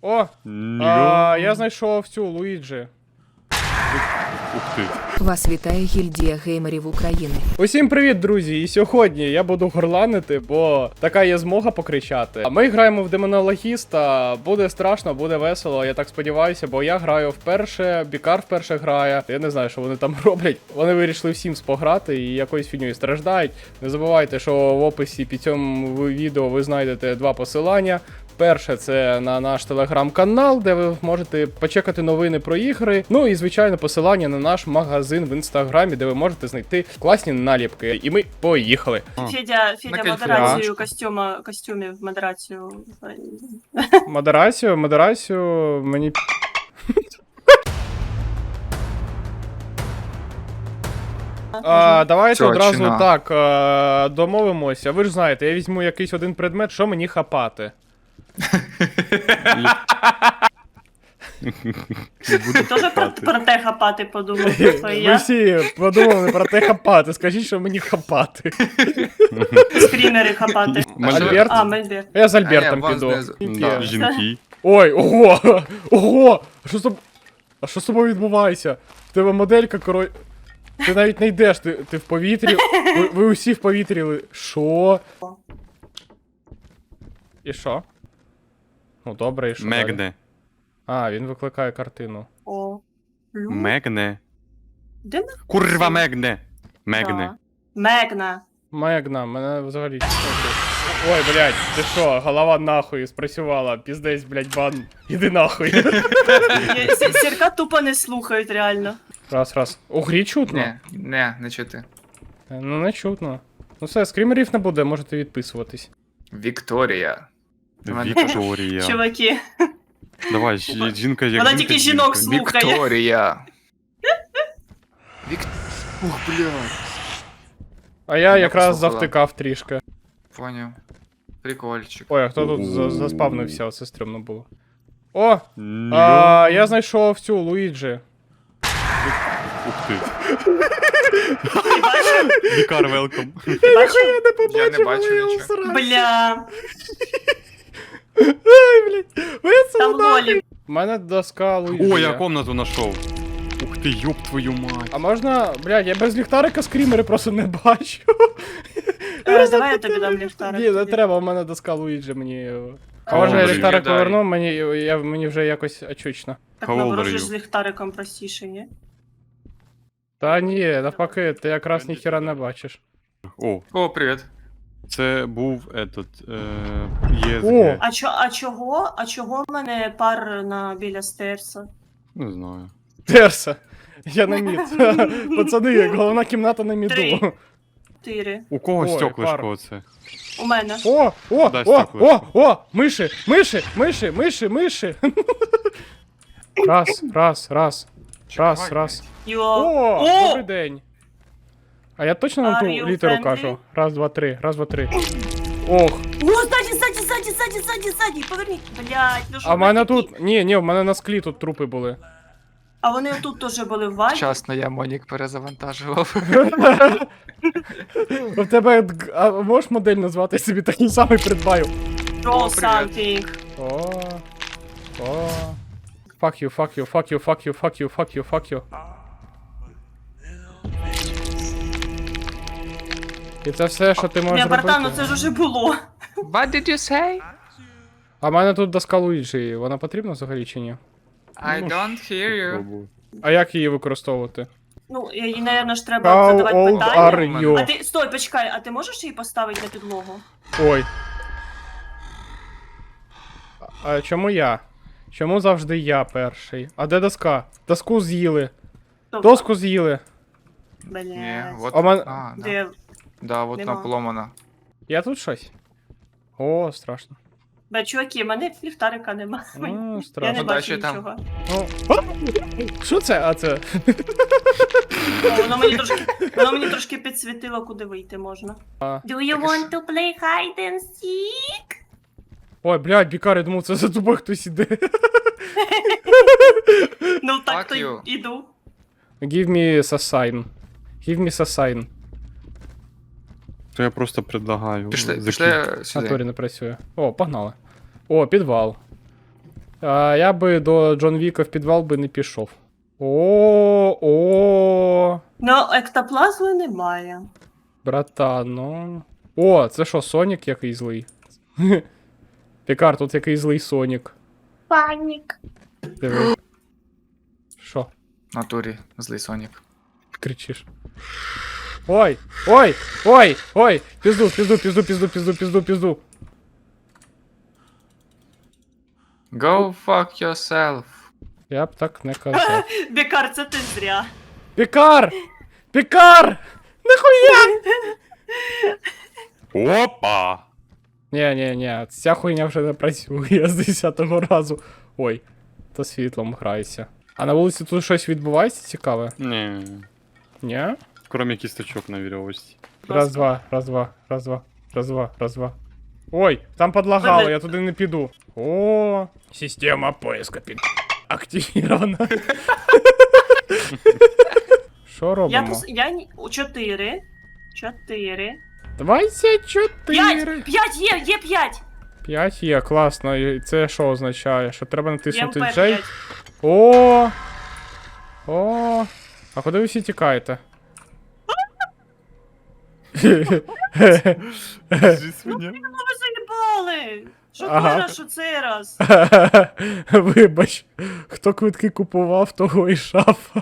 О! Я знайшов цю Луїджі. Ух ти. Вас вітає гільдія геймерів України. Усім привіт, друзі! І сьогодні я буду горланити, бо така є змога покричати. А ми граємо в демонологіста, буде страшно, буде весело, я так сподіваюся, бо я граю вперше, Бікар вперше грає. Я не знаю, що вони там роблять. Вони вирішили всім пограти і якоюсь фігньою страждають. Не забувайте, що в описі під цьому відео ви знайдете два посилання. Перше, це на наш телеграм-канал, де ви можете почекати новини про ігри. Ну і, звичайно, посилання на наш магазин в інстаграмі, де ви можете знайти класні наліпки. І ми поїхали. Федя, модерацію костюмів, модерацію. Модерацію, мені... Давайте Цього одразу чина. так домовимося. Ви ж знаєте, я візьму якийсь один предмет, що мені хапати. Ти теж про те хапати подумав, що Ви я всі подумали про те хапати. Скажіть, що мені хапати. скрінери хапати. Альберт? А, Мельберт. Я з Альбертом вас піду. знизу. Тільки- Да, жінки. Ой, ого! Ого! А що з тобою відбувається? В тебе моделька, Ти навіть не йдеш, ти в повітрі. Ви усі в повітрі. Що? І що? Ну добре, і що далі? Мегне. А, він викликає картину. О. Мегне. Де ми? Курва Мегне. Мегне. Мегна. Мегна, мене взагалі... Ой, блядь, ти що, голова нахуй спрацювала, піздець, блядь, бан, іди нахуй. Сірка тупо не слухають, реально. Раз. У грі чутно? Не чути. Ну не чутно. Ну все, скрімерів не буде, можете відписуватись. Вікторія. Вікторія. Чуваки. Давай, жінка як Вона жінка, тільки жінка. жінок слухає. Вікторія. Ух, блядь. А я якраз послухала. завтикав трішки. Поняв. Прикольчик. Ой, а хто тут заспавнився, оце стрімно було. О! Ньо. Я знайшов цю Луїджі. Ух ти. Ти бачив? Вікар, велком. Ти бачив? Я не бачу нічого. Бля. Ай, блядь, Там лолі. У мене доска Луїджі. О, я комнату знайшов. Ух ти, ёб твою мать. А можна, блядь, я без ліхтарика скрімери просто не бачу. Давай я тобі дам ліхтарик. Ні, не тоді. треба, у мене доска Луїджі, мені... А О, може я блін, ліхтарик дай. поверну, мені вже якось очучно. Так How old наоборот are же you? з ліхтариком простіше, ні? Та ні, навпаки, ти якраз ніхіра не бачиш. О, привіт. Це був этот... О! ЄСГ. А чого в мене пар біля стерса? Не знаю. Терса. Я на мід. Пацани, як головна кімната на міду. 3. 4. У кого Ой, стеклишко оце? У мене. О! Миші. Раз. Йо. О, добрий день. А я точно на Are ту you літеру friendly? кажу? Раз, два, три. Ох. О, ззаді, поверніть. Блядь, ну що А в мене ви такі? тут... Ні, в мене на склі тут трупи були. А вони тут теж були в вазі? Вчасно я Монік перезавантажував. У тебе... А можеш модель назвати, я собі такий самий придбаю? Draw О, привіт. something. О. Fuck you. І це все, що ти можеш Бля, братан, ну робити? це ж уже було. What did you say? А в мене тут доска Луїджі, вона потрібна взагалі чи ні? I don't hear you. Пробую. А як її використовувати? Ну, їй, напевно, ж треба How задавати old питання. are you? А ти, стой, почекай, а ти можеш її поставити на підлогу? Ой. А чому я? Чому завжди я перший? А де доска? Доску з'їли. Тобто, Доску з'їли. Ні, Блядь. вот. А мен- А, да. Де? Да, вот Нема. вона поломана. Я тут щось? О, страшно. Бля, чуваки, в мене ліхтарика нема. Ну, Я не страшно. бачу Удачі там. нічого. Ну. Що це? А це? О, воно мені трошки підсвітило, куди вийти можна. А. Do you want to play hide and seek? Ой, блядь, Бікар, я думав, це за тобою хтось іде. Ну так Fuck то you. іду. Give me a sign. То я просто предлагаю. Пішли закинути. В сюди. натурі не працює. О, погнали. О, підвал. Я би до Джон Віка в підвал би не пішов. О, Ну, ектоплазми немає. братан, ну. О, це що, Сонік який злий? Пікар, тут який злий Сонік. Панік. Диви. Що? В натурі, злий Сонік. Кричиш. Ой! Ой! Ой! Ой! Пізду, пізду, пізду, пізду, пізду, пізду, пізду. Go fuck yourself. Я б так не казав. Бікар, це ти зря. Пікар! Пікар! Нахуя! Опа! Ні, ця хуйня вже не працює з 10-го разу. Ой, то світлом грайся. А на вулиці тут щось відбувається цікаве? Не, Ні? кроме кісточок на веревочці. Раз, два, раз, два, раз, два, раз, два, раз, два. Ой, там подлагало, я туди не піду. О, система поиска під... активирована. Що робимо? У 4. 4. 24. 5! 5 є 5! 5 є, класно. І це що означає? Що треба натиснути ЄМП J? 5. О! О! А куди ви всі тікаєте? Скажи свиня. Ну ви заїбали! Що Ага. хорошо цей раз? Вибач, хто квитки купував, того і шафа.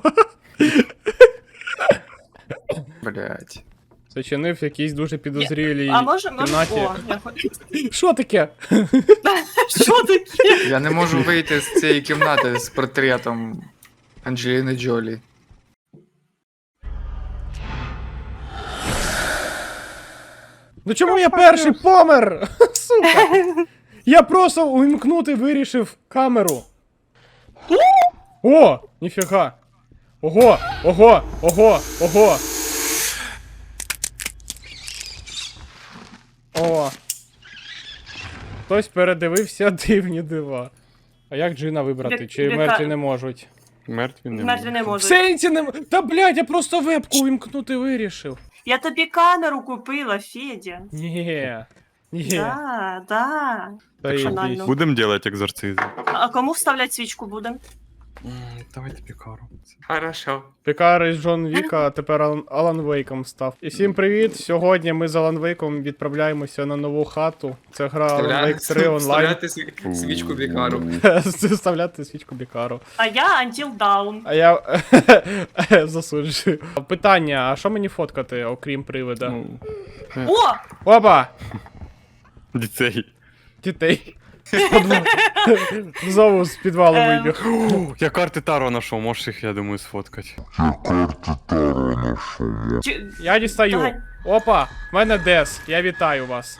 Блять. Зачинив якийсь дуже підозрілій А може, кімнаті. О, я хочу. Що таке? Що таке? Я не можу вийти з цієї кімнати з портретом Анджеліни Джолі. Ну чому я перший помер? Сука! Я просто увімкнути вирішив камеру. О! Ніфіга. Ого! Ого! Ого! Ого! О! Хтось передивився дивні дива. А як Джина вибрати? Чи Яка- мертві не можуть? Мертві не Мертві не можуть. В можуть. сенсі не... Та блядь, я просто вебку увімкнути вирішив. Я тобі камеру купила, Федя. Ні. Ні. Да, да. Та Так що йдіть. банально. будемо делать екзорцизм? А кому вставлять свічку будемо? Давайте пікару. Хорошо. Пікар із Джон Віка, а тепер Алан Вейком став. І всім привіт! Сьогодні ми з Алан Вейком відправляємося на нову хату. Це гра Alan Wake 3 онлайн. свічку бікару. Вставляти свічку Бікару. А я Until Dawn. А я засуджую. Питання, а що мені фоткати, окрім привида? Ну, О! Опа! дітей. Дітей. Знову з підвалу вибіг. Я карти Таро знайшов, можеш їх, я думаю, сфоткати. Я дістаю. Давай. Опа, в мене Дес. Я вітаю вас.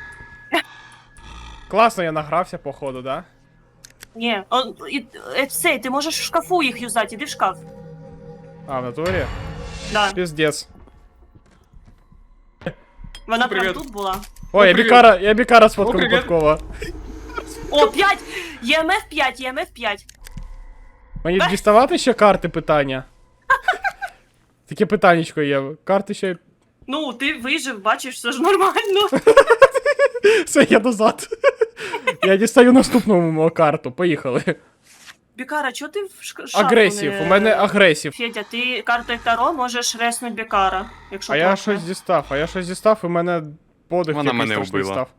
Класно я награвся, походу, да? Ні, цей, ти можеш в шкафу їх юзати, іди в шкаф. А, в натурі? Да. Піздец. Вона прям Привіт. тут була. Ой, я бікара сфоткав привіт. випадково. О, 5! ЄМФ 5, ЄМФ 5. Мені діставати ще карти питання? Таке питаннячко є. Карти ще. Ну, ти вижив, бачиш, все ж нормально. Все, я назад. Я дістаю наступну карту. Поїхали. Бікара, чого ти в шкафу Агресів. не- У мене агресів. Федя, ти картою Таро можеш реснуть Бікара, якщо А я класно. щось дістав, і мене подих Вона якийсь мене страшний вбила. став.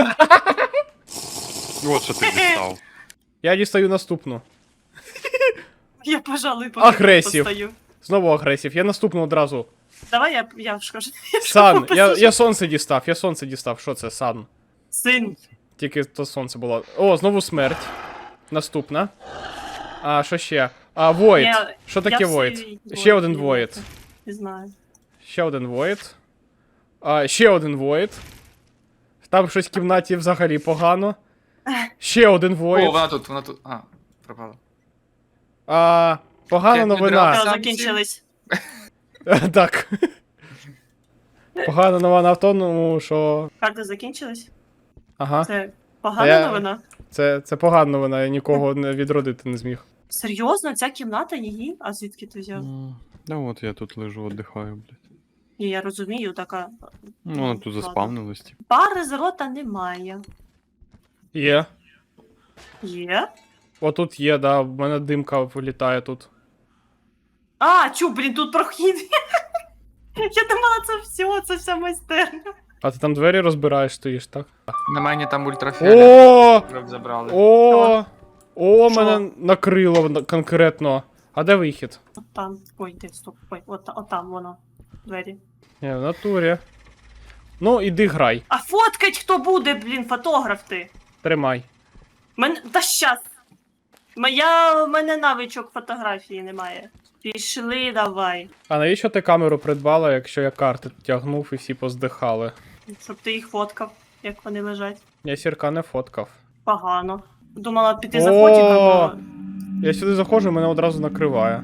От що ти дістав. Я дістаю наступну. Я, пожалуй, Агресів. постою. Знову агресів. Я наступну одразу. Давай я в шкафу. Сан. Я сонце дістав. Що це, сан? Син. Тільки то сонце було. О, знову смерть. Наступна. А, що ще? А, Void. Я- Що таке я Void? всі Ще один Void. Void. Не знаю. Ще один Void. А, ще один Void. Там щось в кімнаті взагалі погано. Ще один О, Void. вона тут. А, пропала. А, погана Як новина. відразу. Все, Сам закінчились. Так. Погана новина в тому, що. Карти закінчились? Ага. Це А погана я- новина? Це погана новина, я нікого не відродити не зміг. Серйозно? Ця кімната її? А звідки ти взяв? Да от я тут лежу, віддихаю, блядь. Ні, я розумію, така. Ну, вона тут ладно. заспавнилась, типу. Пари з рота немає. Є. Є? Отут є, да, в мене димка вилітає тут. А, блін, тут прохід. Я думала, це вся майстерня. А ти там двері розбираєш, стоїш, так? На мені там ультрафіолет. О! Забрали. О, Що? мене накрило конкретно. А де вихід? От там. Ой, де, стоп. Ой, от там воно. Двері. Ні, в натурі. Ну, іди грай. А фоткать хто буде, блін, фотограф ти? Тримай. Та щас. В мене навичок фотографії немає. Пішли, давай. А навіщо ти камеру придбала, якщо я карти тягнув і всі поздихали? Щоб ти їх фоткав, як вони лежать. Я сірка не фоткав. Погано. Думала піти за фотіком, але... Я сюди заходжу, мене одразу накриває.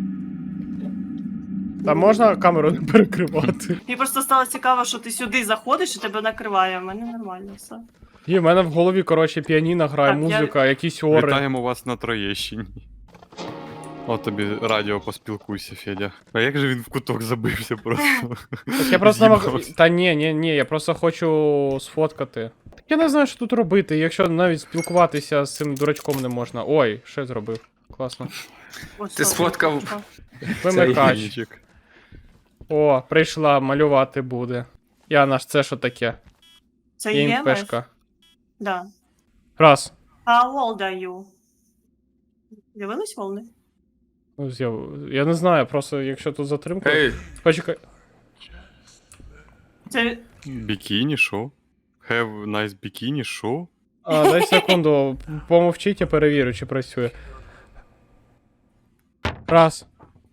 Та можна камеру не перекривати? Мені просто стало цікаво, що ти сюди заходиш і тебе накриває, а в мене нормально все. І в мене в голові, коротше, піаніно грає, Так, я- музика, якісь ори. Вітаємо вас на Троєщині. От тобі радіо поспілкуйся, Федя. А як же він в куток забився просто? Так я просто не З'їбався. Та ні, я просто хочу сфоткати. Так я не знаю, що тут робити, якщо навіть спілкуватися з цим дурачком не можна. Ой, що я зробив? Класно. Ось, Ти все, сфоткав? що? Вимикач. Генічик. О, прийшла, малювати буде. Яна ж, це що таке? Це Є є імпешка. Да. Раз. How old are you? Дивились волни? Ну, я не знаю, просто якщо тут затримка. Ей, Почекай. Це... Бікіні, шо? Have nice бікіні, шо? А, дай секунду, помовчіть, я перевірю, чи працює. Раз.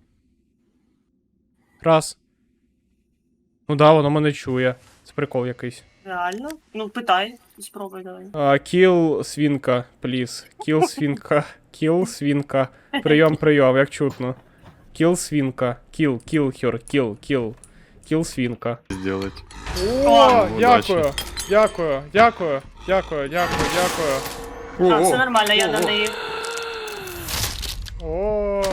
Раз. Ну да, воно мене чує. Це прикол якийсь. Реально? Ну, питай. Спробуй давай. Kill свінка, please. Kill свінка. Kill свінка. Прийом, як чутно. Kill свінка. Kill her, kill свінка. Сделать. О, Удачі. дякую. А, все нормально, я на неї. О,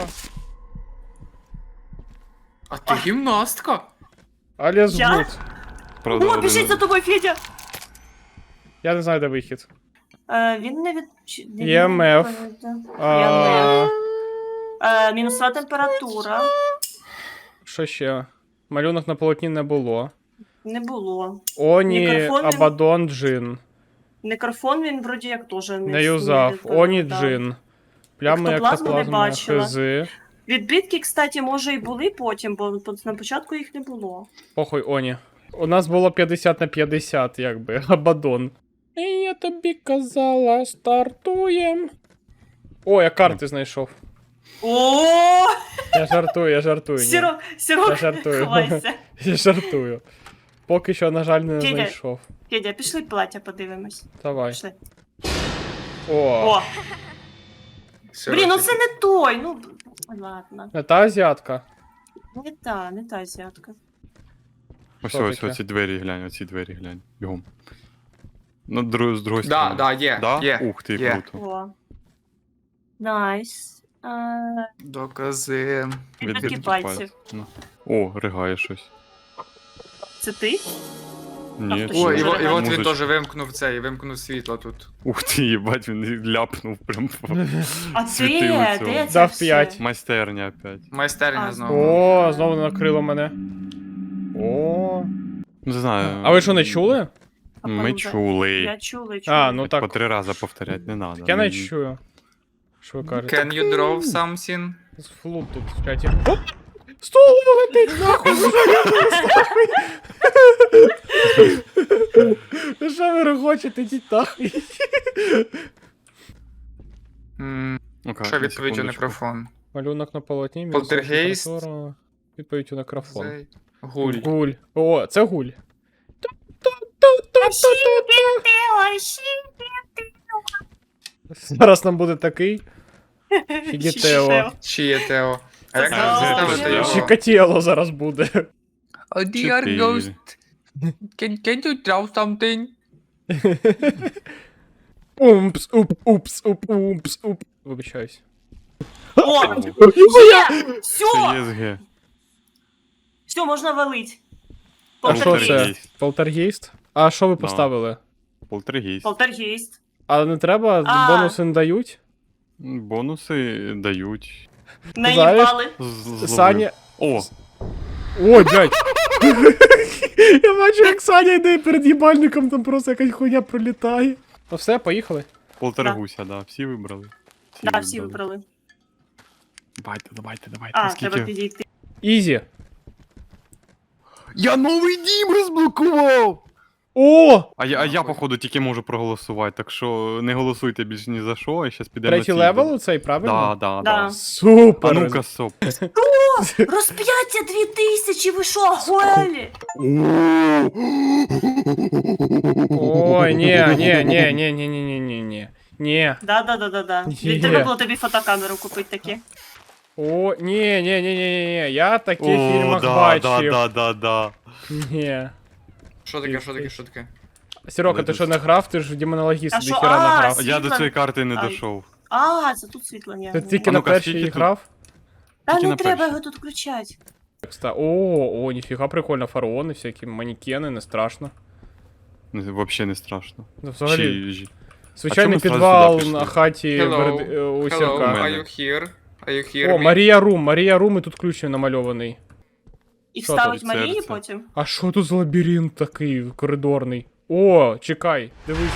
а ти гімнастка? Аліс Я? Гуд. Правда, О, один- біжить за тобою, Федя! Я не знаю, де вихід. Він не від... EMF. А, Мінусова температура. Що ще? Малюнок на полотні не було. Не було. Оні, Мікрофон він- Абадон, Джин. Некрофон він вроді як теж Не юзав. Оні, відповідав. Джин. Плями Ектоплазму не ектоплазми, бачила. хизи. Відбитки, кстати, може і були потім, бо на початку їх не було. Похуй, Оні. У нас було 50 на 50, якби. Абадон. І я тобі казала, стартуєм. О, я карти знайшов. О, Я жартую. ні. Сіро, Я жартую. ховайся. Я жартую. Поки що, на жаль, не Федя. знайшов. Федя, пішли плаття подивимось. Давай. Пішли. О, О, Все, блін, ну ти- це не той, ну, ладно. не та азіатка. Не та азіатка. Ось Що ось таке? оці двері глянь, оці двері глянь. Бігом. Ну, з другої Да, сторони. да, є, Да? є. Ух ти, є. круто. О. Найс. Докази. Відбитки пальців. Ну. О, ригає щось. Це ти? Ні, хто це ще О, і може от він музичка. теж вимкнув світло тут. Ух ти, їбать, він ляпнув прям по А світило де? цього. Де це Дав все? 5. Майстерня опять. Майстерня А, знову. О, знову накрило мене. О. Не знаю. А ви що, не чули? Ми чули. Я чула, чула. А, ну По так. 3 рази повторять не надо. Я не чую. Що ви кажете? Can you draw something? З флут тут в чаті. Оп! Стол летить нахуй! Ну що ви регочете, ідіть нахуй? Ну-ка, Що на відповідь у секундочку. мікрофон? Малюнок на полотні, Полтергейст. температура. Відповідь у мікрофон. Цей. Гуль. Гуль. О, це гуль. Зараз нам буде такий. Фігітео. Чи є Тео? А як Це нам Тео. заставити його? Чикатіло зараз буде. Oh dear Чотири. ghost. Can you draw something? Упс, уп. Вибачаюсь. О, є! Це Все! ЄСГ. Все, можна валить. А що це? Полтергейст. Полтергейст? А що ви Да. поставили? Полтергейст. Полтергейст. А не треба? А. Бонуси не дають? Бонуси дають. Наїбали. Зловив. Саня. О, Ой, блядь. Я бачу, як Саня йде перед їбальником, там просто якась хуйня пролітає. Ну все, поїхали. полтергуся, да. Всі вибрали. Да, всі вибрали. Давайте. А, треба підійти. Ізі. Я новий дім розблокував! О! А я, походу, тільки можу проголосувати, так що не голосуйте більш ні за що, і щас підемо на Третій цій. левел цей, правильно? Да. Да. Супер! А ну-ка, соп. Розп'яття 2000, ви що, охуєлі? Ой, ні. Ні. Да. Є. Треба було тобі фотокамеру купити такі. О, ні. Я таке в фільмах бачив. Да. Ні. Що таке, що таке, що таке? Сірока, ти що не грав? Ти ж в демонологіст А що? ніхіра не А, грав. сі- Я до Світло- цієї карти не Ай. дійшов. А, це тут світло є. Ти тільки А на ну-ка, першій скільки тут? грав? Та тільки не на треба першій. його тут включати. О, ніфіга прикольно, фараони всякі, манекени, не страшно. Взагалі не страшно. Ну, взагалі, Чи- звичайний А чому ми підвал зразу сюди на хаті Hello. у Hello, Сірка. are you here? Are you here? О, me? Марія Рум, і тут ключ намальований. І Що вставить там, Марії серце? потім. А що тут за лабіринт такий коридорний? О, чекай, дивись.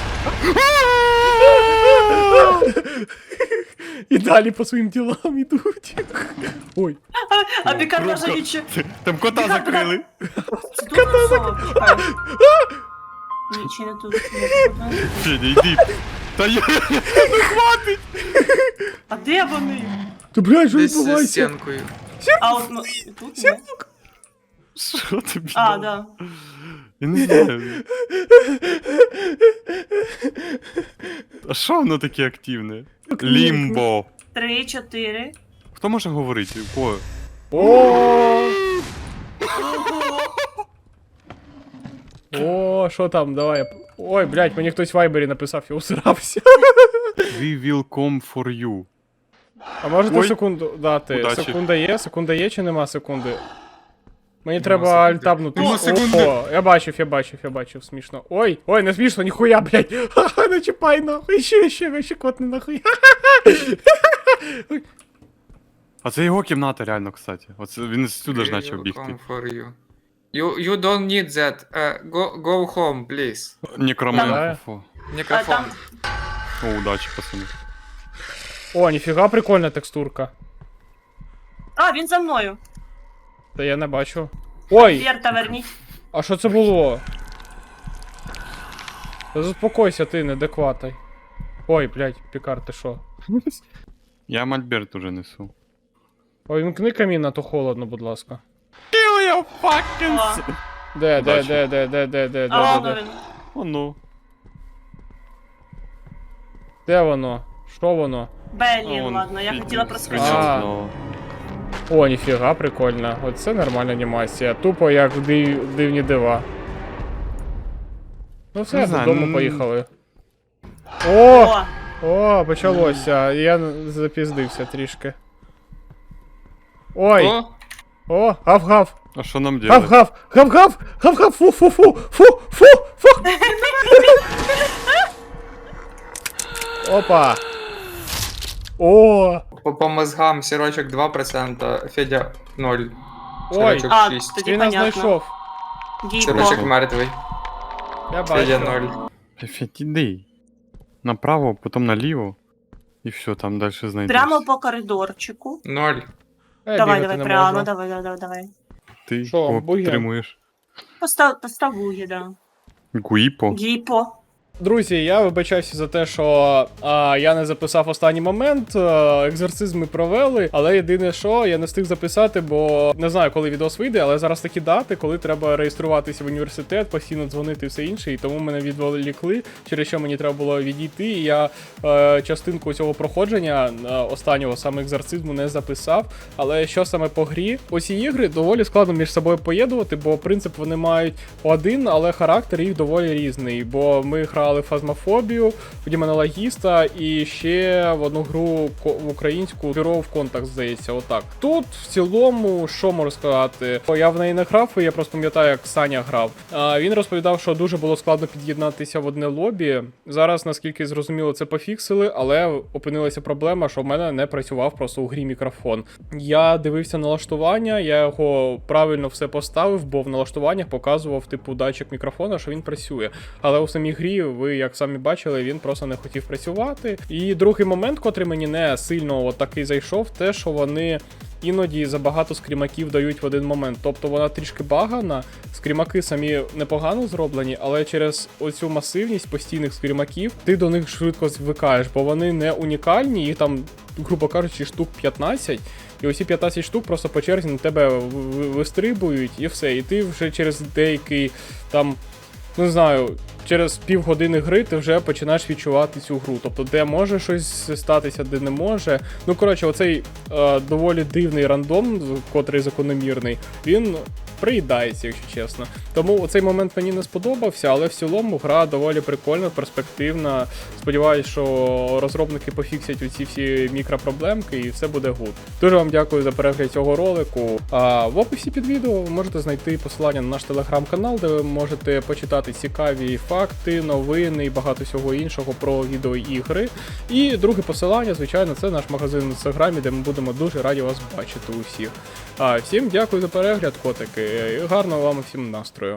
І далі по своїм ділам ідуть. Ой. А Пікар каже нічого. Там кота закрили. Це тут насова, почекай. Ні, чи не тут. Ні, Федя, йди. Та я... А де вони? Ти, блядь, що Десь за відбувається? стінкою. А от ну, тут ні. Що тобі? А, дало? да. Я не знаю. А що воно таке активне? Лімбо. 3, 4. Хто може говорити? У кого? О! О, що там, давай. Ой, блядь, мені хтось в вайбері написав, я усирався. We will come for you. А можете Ой. секунду дати? Удачі. Секунда є чи нема секунди? Мені треба секунди. альтабнути. Нема секунди. О, я бачив, смішно. Ой, не смішно, ніхуя, блядь. Ха-ха, не чіпай нахуй, ще котне нахуй. А це його кімната реально, кстати. Оце він сюди ж We почав will бігти. come for you. You don't need that. Go home, please. Некроманфо. А Мікрофон. там О, удачі, пацани. О, ніфіга прикольна текстурка. А, він за мною. Та я не бачу. Ой, Вірта, верніть. а що це було? Та заспокойся ти, неадекватний. Ой, блядь, Пікар, ти що? Я мольберт уже несу. Ой, вімкни камін, а то холодно, будь ласка. Kill your fucking... О, Де? а воно він. О, ну. Де воно? Що воно? Блін, Вон, ладно, я Федя хотіла А. проскочити. знову. О, ніфіга, прикольно. Оце нормальна анімація. Тупо як в дивні дива. Ну все, Не знаю, додому ну- поїхали. О! О, О, почалося. Я запіздився трішки. Ой! О, О, гав-гав! А що нам делать? Гав-гав! Фу! Опа! О! по мозгам сірочок 2%, Федя 0. Ой, Сірочок а, 6. тоді він нас понятно. знайшов. Гіпо. Сірочок мертвий. Я Федя бачу. 0. Федь, іди. Направо, потім наліво. І все, там далі знайдеш. Прямо по коридорчику. 0. Я Давай, бігати не прямо, можу. давай. Ти Що, кого буги? підтримуєш? Постав вуги, да. Гуїпо. Гіпо. Друзі, я вибачаюся за те, що я не записав останній момент. Екзорцизми провели, але єдине, що я не встиг записати, бо не знаю, коли відос вийде, але зараз такі дати, коли треба реєструватися в університет, постійно дзвонити і все інше, і тому мене відволікли, через що мені треба було відійти. І я частинку цього проходження останнього саме екзорцизму не записав. Але що саме по грі? Оці ігри доволі складно між собою поєднувати, бо принцип вони мають один, але характер їх доволі різний. Бо ми грали грали в Фазмофобію, в Демонологіста і ще в одну гру в українську Bureau of Contact, здається, отак. Тут в цілому, що можу сказати, я в неї не грав, і я просто пам'ятаю, як Саня грав. Він розповідав, що дуже було складно під'єднатися в одне лобі. Зараз, наскільки зрозуміло, це пофіксили, але опинилася проблема, що в мене не працював просто у грі мікрофон. Я дивився налаштування, я його правильно все поставив, бо в налаштуваннях показував типу датчик мікрофона, що він працює. Але у самій грі, ви як самі бачили, він просто не хотів працювати. І другий момент, котрий мені не сильно такий зайшов, те, що вони іноді забагато скрімаків дають в один момент. Тобто вона трішки багана, скрімаки самі непогано зроблені, але через оцю масивність постійних скрімаків ти до них швидко звикаєш, бо вони не унікальні, їх там, грубо кажучи, штук 15, і усі 15 штук просто по черзі на тебе вистрибують і все. І ти вже через деякий там, не знаю, через півгодини гри ти вже починаєш відчувати цю гру. Тобто, де може щось статися, де не може. Ну, коротше, оцей доволі дивний рандом, котрий закономірний, він приїдається, якщо чесно. Тому цей момент мені не сподобався, але в цілому гра доволі прикольна, перспективна. Сподіваюсь, що розробники пофіксять оці всі мікропроблемки і все буде гуд. Дуже вам дякую за перегляд цього ролику. В описі під відео ви можете знайти посилання на наш телеграм-канал, де ви можете почитати цікаві факти, новини і багато всього іншого про відеоігри. І друге посилання, звичайно, це наш магазин в інстаграмі, де ми будемо дуже раді вас бачити усіх. Всім дякую за перегляд, котики, і гарного вам всім настрою.